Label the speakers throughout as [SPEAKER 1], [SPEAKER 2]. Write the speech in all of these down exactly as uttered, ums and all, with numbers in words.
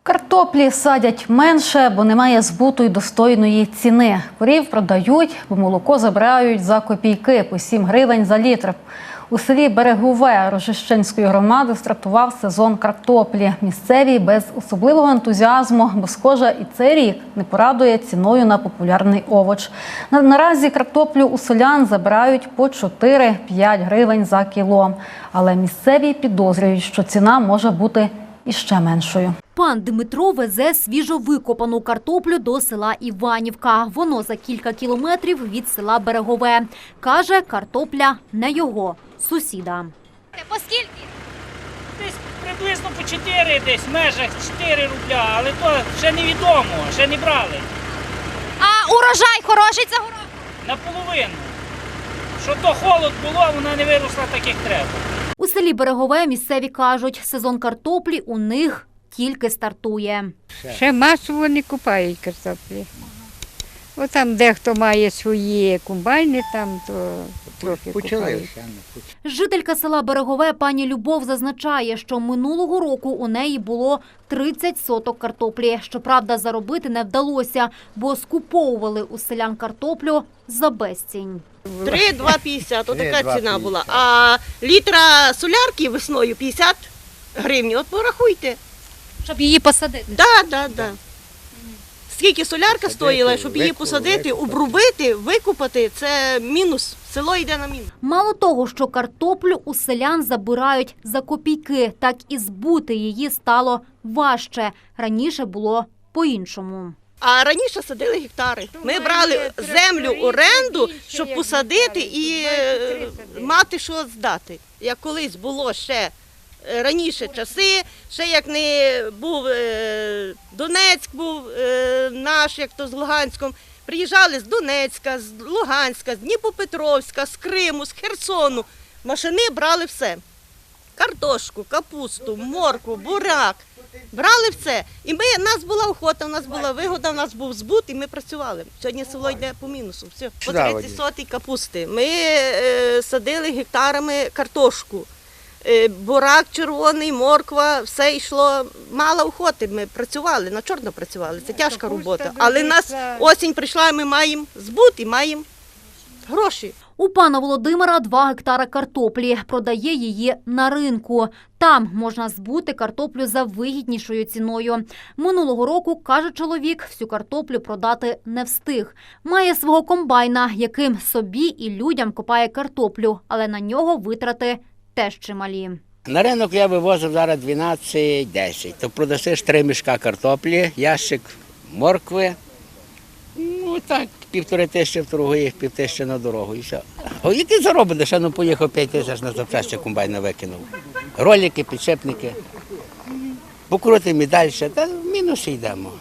[SPEAKER 1] Картоплі садять менше, бо немає збуту й достойної ціни. Корів продають, бо молоко забирають за копійки – по сім гривень за літр. У селі Берегове Рожищенської громади стартував сезон картоплі. Місцеві без особливого ентузіазму, бо, схоже, і цей рік не порадує ціною на популярний овоч. На- Наразі картоплю у селян забирають по чотири-п'ять гривень за кіло. Але місцеві підозрюють, що ціна може бути іще меншою.
[SPEAKER 2] Пан Дмитро везе свіжовикопану картоплю до села Іванівка. Воно за кілька кілометрів від села Берегове. Каже, картопля не його, сусіда.
[SPEAKER 3] По скільки?
[SPEAKER 4] Десь приблизно по чотири, десь в межах чотири рубля, але то ще невідомо, ще не брали.
[SPEAKER 3] А урожай хороший цього року?
[SPEAKER 4] Наполовину. Що то холод було, вона не виросла так, як треба.
[SPEAKER 2] У селі Берегове місцеві кажуть, сезон картоплі у них тільки стартує.
[SPEAKER 5] Ще масово не купають картоплі. О, там дехто має свої комбайни, там то трохи купають.
[SPEAKER 2] Жителька села Берегове пані Любов зазначає, що минулого року у неї було тридцять соток картоплі. Щоправда, заробити не вдалося, бо скуповували у селян картоплю за безцінь.
[SPEAKER 6] три-два п'ятдесят, отака ціна була. А літра солярки весною п'ятдесят гривень, от порахуйте.
[SPEAKER 3] Щоб її посадити.
[SPEAKER 6] Да, да, да. Скільки солярка стоїла, щоб її посадити, обрубити, викупати, це мінус. Село йде на мінус.
[SPEAKER 2] Мало того, що картоплю у селян забирають за копійки, так і збути її стало важче. Раніше було по-іншому.
[SPEAKER 6] А раніше садили гектари. Ми брали землю в оренду, щоб посадити і е, мати що здати. Як колись було ще раніше часи, ще як не був е, Донецьк, був е, наш, як то з Луганськом, приїжджали з Донецька, з Луганська, з Дніпропетровська, з Криму, з Херсону. Машини брали все. Картошку, капусту, моркву, буряк. Брали все. І ми, у нас була охота, у нас була вигода, у нас був збут, і ми працювали. Сьогодні село йде по мінусу. Все. По тридцять сотій капусти. Ми е, садили гектарами картошку. Е, бурак червоний, морква, все йшло. Мало охоти, ми працювали, на чорно працювали. Це тяжка робота. Але нас осінь прийшла, і ми маємо збут і маємо гроші.
[SPEAKER 2] У пана Володимира два гектара картоплі. Продає її на ринку. Там можна збути картоплю за вигіднішою ціною. Минулого року, каже чоловік, всю картоплю продати не встиг. Має свого комбайна, яким собі і людям копає картоплю, але на нього витрати теж чималі.
[SPEAKER 7] На ринок я вивозив зараз дванадцять десять. То продасиш три мішка картоплі, ящик моркви. Ну так, півтори тисячі в торгує, пів тисячі на дорогу і все. О, який заробиш? Ще ну поїхав п'ять тисяч на запчасті комбайна викинув. Ролики, підшипники. Покрутимо і далі, та в мінусі йдемо.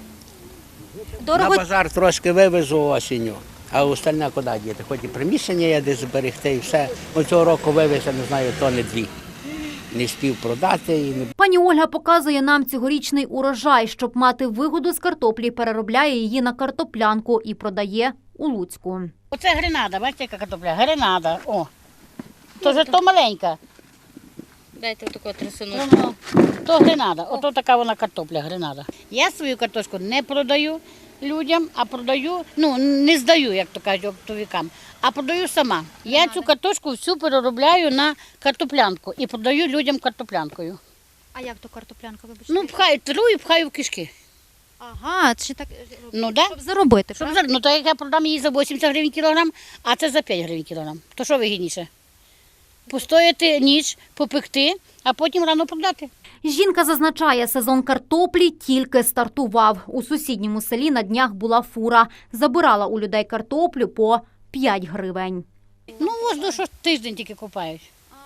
[SPEAKER 3] Дорого?
[SPEAKER 7] На базар трошки вивезу осінню, а остальне куди діти? Хоч і приміщення є десь зберегти і все. Оцього року вивез, я не знаю, тони дві. Не спів продати. І не...
[SPEAKER 2] Пані Ольга показує нам цьогорічний урожай. Щоб мати вигоду з картоплі, переробляє її на картоплянку і продає у Луцьку.
[SPEAKER 8] Оце гренада, бачите, яка картопля? Гренада, о. То вже то маленька.
[SPEAKER 3] Дайте таку трясину.
[SPEAKER 8] Ну, то гренада, ото така вона картопля, гренада. Я свою картошку не продаю людям, а продаю, ну, не здаю, як то кажуть, оптовикам, а продаю сама. Я цю картошку всю переробляю на картоплянку і продаю людям картоплянкою.
[SPEAKER 3] А як то картоплянка, вибачте?
[SPEAKER 8] Ну, пхаю, тру і пхаю в кишки.
[SPEAKER 3] Ага, чи так,
[SPEAKER 8] Ну, да.
[SPEAKER 3] щоб заробити,
[SPEAKER 8] Щоб,
[SPEAKER 3] правда?
[SPEAKER 8] за- ну, то як я продам її за вісімдесят гривень кілограм, а це за п'ять гривень кілограм. То що вигідніше? Постояти ніч, попекти, а потім рано продати.
[SPEAKER 2] Жінка зазначає, сезон картоплі тільки стартував. У сусідньому селі на днях була фура. Забирала у людей картоплю по п'ять гривень.
[SPEAKER 8] Ну, ось до що тиждень тільки купають.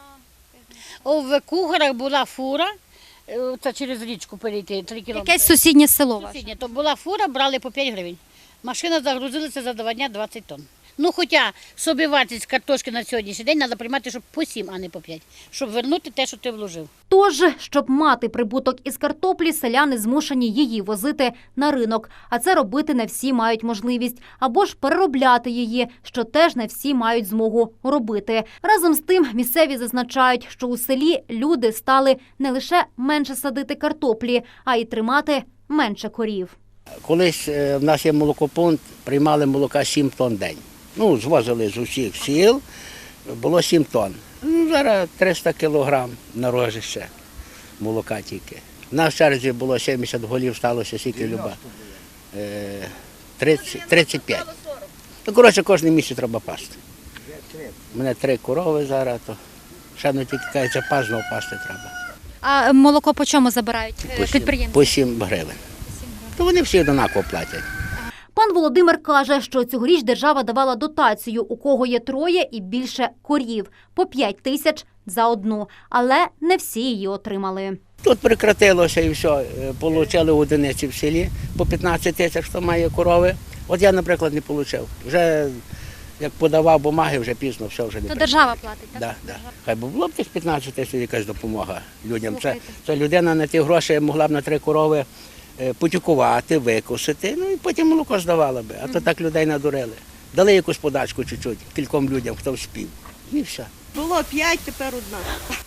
[SPEAKER 8] О, в Кугарах була фура, е, це через річку перейти, три кілометри.
[SPEAKER 3] Якесь сусіднє село ваше.
[SPEAKER 8] Сусіднє. То була фура, брали по п'ять гривень. Машина загрузилася за два дня двадцять тонн. Ну, хоча собівартість картошки на сьогоднішній день треба приймати, щоб по сім, а не по п'ять, щоб вернути те, що ти вложив.
[SPEAKER 2] Тож, щоб мати прибуток із картоплі, селяни змушені її возити на ринок. А це робити не всі мають можливість. Або ж переробляти її, що теж не всі мають змогу робити. Разом з тим, місцеві зазначають, що у селі люди стали не лише менше садити картоплі, а й тримати менше корів.
[SPEAKER 7] Колись е, в нас є молокопункт, приймали молока сім тонн в день. Ну, звозили з усіх сіл, було сім тонн. Ну, зараз триста кілограм на рожище молока тільки. В нас в черзі було сімдесят голів, сталося скільки люба. Е, тридцять, тридцять п'ять. Ну, коротше, кожен місяць треба пасти. У мене три корови зараз, то ще не тільки кажеться, пас, знову пасти треба.
[SPEAKER 3] А молоко по чому забирають е,
[SPEAKER 7] По сім-
[SPEAKER 3] підприємці?
[SPEAKER 7] По сім гривень. То вони всі однаково платять.
[SPEAKER 2] Пан Володимир каже, що цьогоріч держава давала дотацію, у кого є троє і більше корів – по п'ять тисяч за одну. Але не всі її отримали.
[SPEAKER 7] Тут прекратилося і все. Получали одиниці в селі по п'ятнадцять тисяч, хто має корови. От я, наприклад, не отримав. Вже як подавав бумаги, вже пізно, все вже не
[SPEAKER 3] То
[SPEAKER 7] прийшло.
[SPEAKER 3] держава платить, так?
[SPEAKER 7] Да, да. Хай би було б тих п'ятнадцять тисяч якась допомога людям. Це, це людина на ті гроші могла б на три корови е, потюкувати, викосити, ну і потім молоко здавала би. А то так людей надурили. Дали якусь подачку чуть-чуть кільком людям, хто вспів. І все.
[SPEAKER 6] Було п'ять, тепер одна.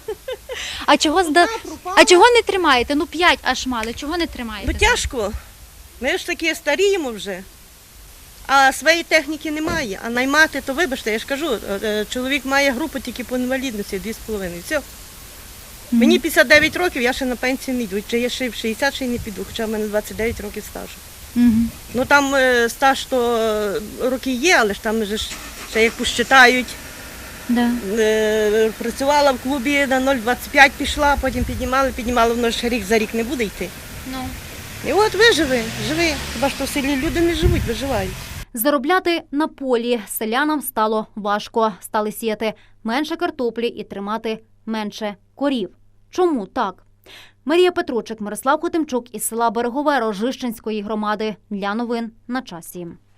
[SPEAKER 3] А чого зда... А чого не тримаєте? Ну п'ять аж мали. Чого не тримаєте?
[SPEAKER 6] Ну тяжко. Ми ж такі старіємо вже. А своєї техніки немає. А наймати, то вибачте, я ж кажу, е, чоловік має групу тільки по інвалідності, дві з половиною. Все. Мені п'ятдесят дев'ять років, я ще на пенсію не йду. Чи я ще в шістдесят ще й не піду, хоча в мене двадцять дев'ять років стажу.
[SPEAKER 3] Мгм.
[SPEAKER 6] Ну там е, стаж то е, роки є, але ж там же ж ще як посчитають.
[SPEAKER 3] Да.
[SPEAKER 6] Е, Працювала в клубі, на нуль двадцять п'ять пішла, потім піднімали, піднімали, воно ж рік за рік не буде йти.
[SPEAKER 3] Ну.
[SPEAKER 6] І от виживи, живи. Хіба що в селі люди не живуть, виживають.
[SPEAKER 2] Заробляти на полі селянам стало важко. Стали сіяти менше картоплі і тримати менше корів. Чому так? Марія Петручик, Мирослав Хотимчук із села Берегове Рожищенської громади. Для новин на часі.